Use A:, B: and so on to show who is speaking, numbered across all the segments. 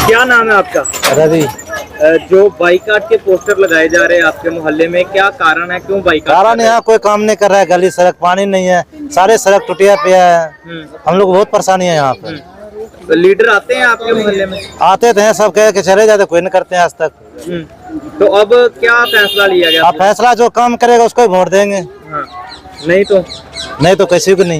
A: क्या नाम है आपका?
B: रवि।
A: जो बाइकाट के पोस्टर लगाए जा रहे हैं आपके मोहल्ले में, क्या कारण है, क्यों बाइकाट?
B: कारण यहाँ कोई काम नहीं कर रहा है, गली सड़क पानी नहीं है, सारे सड़क टूटिया पे है। हम लोग बहुत परेशानी है यहाँ पे।
A: तो लीडर आते हैं आपके मोहल्ले में?
B: आते थे, सब कह के चले जाते, कोई नहीं करते हैं आज तक।
A: तो अब क्या फैसला लिया गया?
B: आप फैसला जो काम करेगा उसको ही वोट देंगे।
A: हाँ। नहीं तो
B: किसी को नहीं।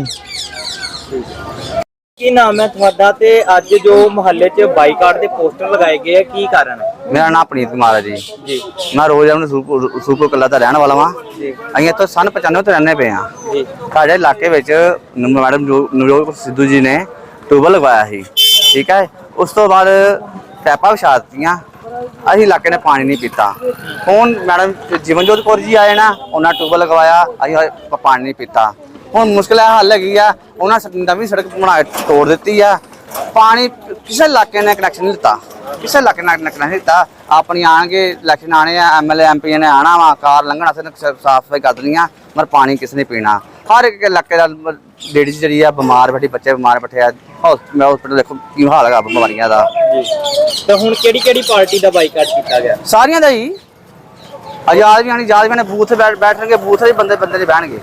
A: की नाम है ਤੁਹਾਡਾ ਤੇ ਅੱਜ ਜੋ ਮੁਹੱਲੇ 'ਚ ਬਾਈਕਾਟ ਦੇ ਪੋਸਟਰ ਲਗਾਏ ਗਏ ਆ, ਕੀ ਕਾਰਨ ਹੈ?
C: मेरा नाम प्रीत कुमार है जी।
A: जी
C: मैं रोज अपने सूरपुर कला का रहने वाला वा।
A: जी
C: ਅਸੀਂ ਇੱਥੋਂ ਸਨ 95 ਤੋਂ ਰਹਿੰਦੇ ਪਏ ਆ।
A: ਜੀ
C: ਸਾਡੇ ਇਲਾਕੇ ਵਿੱਚ ਮੈਡਮ ਨਵਜੋਤ ਸਿੱਧੂ ਜੀ ਨੇ ਟਿਊਬਲ ਲਗਵਾਇਆ ਸੀ, ਠੀਕ ਹੈ। ਉਸ ਤੋਂ ਬਾਅਦ ਪੈਪਾਂ ਵਿਛਾ ਦਿੱਤੀਆਂ, ਅਸੀਂ ਇਲਾਕੇ ਨੇ ਪਾਣੀ ਨਹੀਂ ਪੀਤਾ। ਹੁਣ ਮੈਡਮ ਜੀਵਨਜੋਤ ਕੌਰ ਜੀ ਆਏ ਨਾ, ਉਹਨਾਂ ਟਿਊਬਲ ਲਗਵਾਇਆ, ਅਸੀਂ ਪਾਣੀ ਨਹੀਂ ਪੀਤਾ। ਹੁਣ ਮੁਸ਼ਕਿਲ ਹੱਲ ਹੈਗੀ ਆ, ਉਹਨਾਂ ਨਵੀਂ ਸੜਕ ਬਣਾ ਕੇ ਤੋੜ ਦਿੱਤੀ ਆ। ਪਾਣੀ ਕਿਸੇ ਇਲਾਕੇ ਨੇ ਕਨੈਕਸ਼ਨ ਨਹੀਂ ਦਿੱਤਾ, ਕਿਸੇ ਇਲਾਕੇ ਨਾਲ ਕਨੈਕਸ਼ਨ ਨਹੀਂ ਦਿੱਤਾ। ਆਪਣੀ ਆਣਗੇ ਇਲੈਕਸ਼ਨ ਆਣੇ ਆ, ਐਮਐਲਏ ਐਮਪੀ ਨੇ ਆਣਾ ਵਾ, ਕਾਰ ਲੰਘਣ ਵਾਸਤੇ ਸਾਫ ਸਫਾਈ ਕਰ ਦੇਣੀਆਂ, ਪਰ ਪਾਣੀ ਕਿਸੇ ਨੇ ਪੀਣਾ। ਹਰ ਇੱਕ ਇਲਾਕੇ ਦਾ ਲੇਡੀਜ਼ ਜਿਹੜੀ ਆ ਬਿਮਾਰ ਬੈਠੀ, ਬੱਚੇ ਬਿਮਾਰ ਬੈਠੇ ਆ। ਹਸਪੀਟਲ ਦੇਖੋ ਕੀ ਹਾਲ ਹੈਗਾ ਬਿਮਾਰੀਆਂ ਦਾ।
A: ਤੇ ਹੁਣ ਕਿਹੜੀ ਪਾਰਟੀ ਦਾ ਬਾਈਕਾਟ ਕੀਤਾ ਗਿਆ?
C: ਸਾਰੀਆਂ ਦਾ ਹੀ। ਆਜ਼ਾਦ ਵੀ ਆਣੀ, ਆਜ਼ਾਦ ਵੀ ਨੇ ਬੂਥ ਬੈਠਣਗੇ, ਬੂਥ ਦੇ ਬੰਦੇ ਨਹੀਂ ਬਹਿਣਗੇ।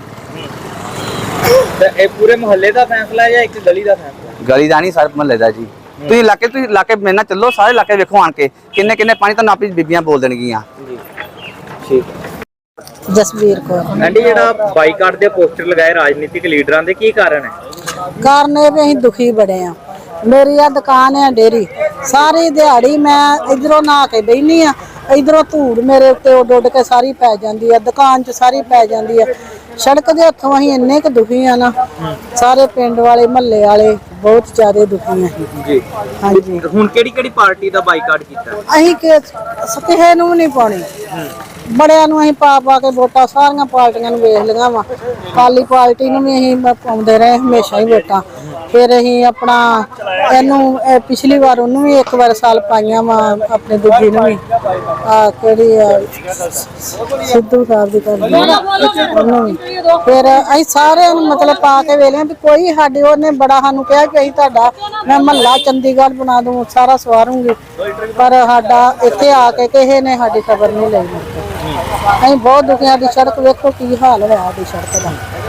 A: ਤੇ ਇਹ ਪੂਰੇ ਮੁਹੱਲੇ ਦਾ ਫੈਸਲਾ ਹੈ ਜਾਂ ਇੱਕ ਗਲੀ ਦਾ ਫੈਸਲਾ?
C: ਗਲੀ ਦਾ ਨਹੀਂ, ਸਾਰੇ ਮਹੱਲੇ ਦਾ ਜੀ। ਤੁਸੀਂ ਇਲਾਕੇ ਮੇਰੇ ਨਾਲ ਚੱਲੋ, ਸਾਰੇ ਇਲਾਕੇ ਵੇਖੋ ਆਣ ਕੇ ਕਿੰਨੇ ਪਾਣੀ ਤੁਹਾਨੂੰ ਆਪਣੀ ਬੀਬੀਆਂ ਬੋਲ ਦੇਣਗੀਆਂ।
A: ਜੀ ਠੀਕ ਹੈ।
D: ਜਸਵੀਰ ਕੌਰ।
A: ਆਂਟੀ, ਜਿਹੜਾ ਬਾਈਕਾਟ ਦੇ ਪੋਸਟਰ ਲਗਾਏ ਰਾਜਨੀਤਿਕ ਲੀਡਰਾਂ ਦੇ, ਕੀ ਕਾਰਨ ਹੈ?
D: ਕਾਰਨ ਇਹ ਵੀ ਅਸੀਂ ਦੁਖੀ ਬੜੇ ਆ। ਮੇਰੀ ਆ ਦੁਕਾਨ ਹੈ ਡੇਰੀ, ਸਾਰੀ ਦਿਹਾੜੀ ਮੈਂ ਇਧਰੋਂ ਨਹਾ ਕੇ ਬੈਠੀ ਆ, ਇਧਰੋਂ ਧੂੜ ਮੇਰੇ ਉੱਤੇ ਉੱਡ ਕੇ ਸਾਰੀ ਪੈ ਜਾਂਦੀ ਆ, ਦੁਕਾਨ 'ਚ ਸਾਰੀ ਪੈ ਜਾਂਦੀ ਆ। ਸੜਕ ਦੇ ਹੱਥੋਂ ਅਸੀਂ ਇੰਨੇ ਕੁ ਦੁਖੀ ਆ ਨਾ, ਸਾਰੇ ਪਿੰਡ ਵਾਲੇ ਮਹੱਲੇ ਵਾਲੇ ਬਹੁਤ ਜ਼ਿਆਦਾ ਦੁਖੀ ਆ
A: ਜੀ।
D: ਹਾਂਜੀ।
A: ਹੁਣ ਕਿਹੜੀ ਪਾਰਟੀ ਦਾ ਬਾਈਕਾਟ ਕੀਤਾ?
D: ਅਸੀਂ ਕਿਸੇ ਨੂੰ ਵੀ ਨਹੀਂ ਪਾਉਣੀ, ਬੜਿਆਂ ਨੂੰ ਅਸੀਂ ਪਾ ਕੇ ਵੋਟਾਂ ਸਾਰੀਆਂ ਪਾਰਟੀਆਂ ਨੂੰ ਵੇਖ ਲਈਆਂ ਵਾ। ਅਕਾਲੀ ਪਾਰਟੀ ਨੂੰ ਵੀ ਅਸੀਂ ਪਾਉਂਦੇ ਰਹੇ ਹਮੇਸ਼ਾ ਹੀ ਵੋਟਾਂ। ਫਿਰ ਅਸੀਂ ਆਪਣਾ ਇਹਨੂੰ ਪਿਛਲੀ ਵਾਰ ਉਹਨੂੰ ਵੀ ਇੱਕ ਵਾਰ ਸਾਲ ਪਾਈਆਂ ਵਾ, ਆਪਣੇ ਦੂਜੀ ਨੂੰ ਵੀ ਕਿਹੜੀ ਸਿੱਧੂ ਸਾਹਿਬ ਦੀ ਕਰਦੀ ਉਹਨੂੰ ਵੀ। ਫਿਰ ਅਸੀਂ ਸਾਰਿਆਂ ਨੂੰ ਮਤਲਬ ਪਾ ਕੇ ਵੇਖ ਲਿਆ ਵੀ ਕੋਈ ਸਾਡੇ ਉਹਨੇ ਬੜਾ ਸਾਨੂੰ ਕਿਹਾ ਕਿ ਅਸੀਂ ਤੁਹਾਡਾ ਮੈਂ ਮਹੱਲਾ ਚੰਡੀਗੜ੍ਹ ਬਣਾ ਦੂੰ, ਸਾਰਾ ਸਵਾਰੂੰਗੀ, ਪਰ ਸਾਡਾ ਇੱਥੇ ਆ ਕੇ ਕਿਸੇ ਨੇ ਸਾਡੀ ਖਬਰ ਨਹੀਂ ਲਈ। ਅਸੀਂ ਬਹੁਤ ਦੁਖੀਆਂ ਦੀ ਸੜਕ ਵੇਖੋ ਕੀ ਹਾਲ ਹੋਇਆ ਸਾਡੀ ਸੜਕ ਦਾ।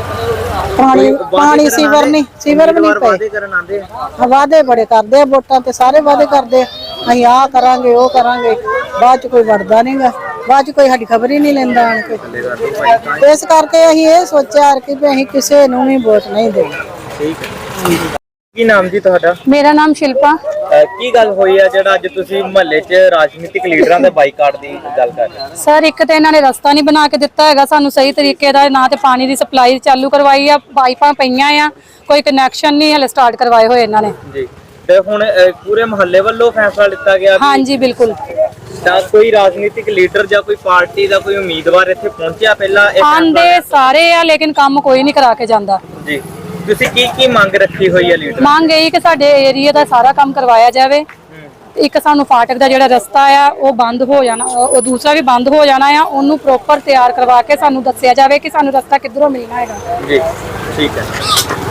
D: ਪਾਣੀ ਸੀਵਰ ਵੀ ਨਹੀਂ ਪਏ। ਵਾਅਦੇ ਬੜੇ ਕਰਦੇ ਆ, ਵੋਟਾਂ ਤੇ ਸਾਰੇ ਵਾਅਦੇ ਕਰਦੇ ਆ, ਅਸੀਂ ਆਹ ਕਰਾਂਗੇ ਉਹ ਕਰਾਂਗੇ, ਬਾਅਦ ਚ ਕੋਈ ਵੜਦਾ ਨਹੀਂਗਾ, ਬਾਅਦ ਚ ਕੋਈ ਸਾਡੀ ਖਬਰ ਹੀ ਨਹੀਂ ਲੈਂਦਾ ਆਣ ਕੇ। ਇਸ ਕਰਕੇ ਅਸੀਂ ਇਹ ਸੋਚਿਆ ਕਿ ਅਸੀਂ ਕਿਸੇ ਨੂੰ ਵੀ ਵੋਟ ਨਹੀਂ ਦੇਣੀ।
A: ਠੀਕ ਹੈ। ਕੀ ਨਾਮ ਜੀ ਤੁਹਾਡਾ?
E: ਮੇਰਾ ਨਾਮ ਸ਼ਿਲਪਾ।
A: ਕੀ ਗੱਲ ਹੋਈ ਆ ਜਿਹੜਾ ਅੱਜ ਤੁਸੀਂ ਮੁਹੱਲੇ 'ਚ ਰਾਜਨੀਤਿਕ ਲੀਡਰਾਂ ਦੇ ਬਾਈਕਾਟ ਦੀ ਗੱਲ ਕਰ ਰਹੇ ਹੋ?
E: ਸਰ, ਇੱਕ ਤਾਂ ਇਹਨਾਂ ਨੇ ਰਸਤਾ ਨਹੀਂ ਬਣਾ ਕੇ ਦਿੱਤਾ ਹੈਗਾ ਸਾਨੂੰ ਸਹੀ ਤਰੀਕੇ ਦਾ, ਨਾ ਤੇ ਪਾਣੀ ਦੀ ਸਪਲਾਈ ਚਾਲੂ ਕਰਵਾਈ ਆ, ਪਾਈਪਾਂ ਪਈਆਂ ਆ, ਕੋਈ ਕਨੈਕਸ਼ਨ ਨਹੀਂ ਹਲੇ ਸਟਾਰਟ ਕਰਵਾਏ ਹੋਏ ਇਹਨਾਂ ਨੇ
A: ਜੀ। ਤੇ ਹੁਣ ਪੂਰੇ ਮੁਹੱਲੇ ਵੱਲੋਂ ਫੈਸਲਾ ਲਿੱਤਾ ਗਿਆ?
E: ਹਾਂਜੀ ਬਿਲਕੁਲ।
A: ਤਾਂ ਕੋਈ ਰਾਜਨੀਤਿਕ ਲੀਡਰ ਜਾਂ ਕੋਈ ਪਾਰਟੀ ਦਾ ਕੋਈ ਉਮੀਦਵਾਰ ਇੱਥੇ ਪਹੁੰਚਿਆ ਪਹਿਲਾਂ?
E: ਆਂਦੇ ਸਾਰੇ ਆ, ਲੇਕਿਨ ਕੰਮ ਕੋਈ ਨਹੀਂ ਕਰਾ ਕੇ ਜਾਂਦਾ
A: ਜੀ। ਤੁਸੀਂ ਕੀ ਮੰਗ ਰੱਖੀ ਹੋਈ ਹੈ ਲੀਡਰ?
E: ਮੰਗ ਇਹੀ ਕਿ ਸਾਡੇ ਏਰੀਆ ਦਾ ਸਾਰਾ ਕੰਮ ਕਰਵਾਇਆ ਜਾਵੇ। ਇੱਕ ਸਾਨੂੰ ਫਾਟਕ ਦਾ ਜਿਹੜਾ ਰਸਤਾ ਆ ਉਹ ਬੰਦ ਹੋ ਜਾਣਾ, ਉਹ ਦੂਸਰਾ ਵੀ ਬੰਦ ਹੋ ਜਾਣਾ ਆ, ਉਹਨੂੰ ਪ੍ਰੋਪਰ ਤਿਆਰ ਕਰਵਾ ਕੇ ਸਾਨੂੰ ਦੱਸਿਆ ਜਾਵੇ ਕਿ ਸਾਨੂੰ ਰਸਤਾ ਕਿੱਧਰੋਂ ਮਿਲਣਾ ਹੈਗਾ।
A: ਜੀ ਠੀਕ ਹੈ।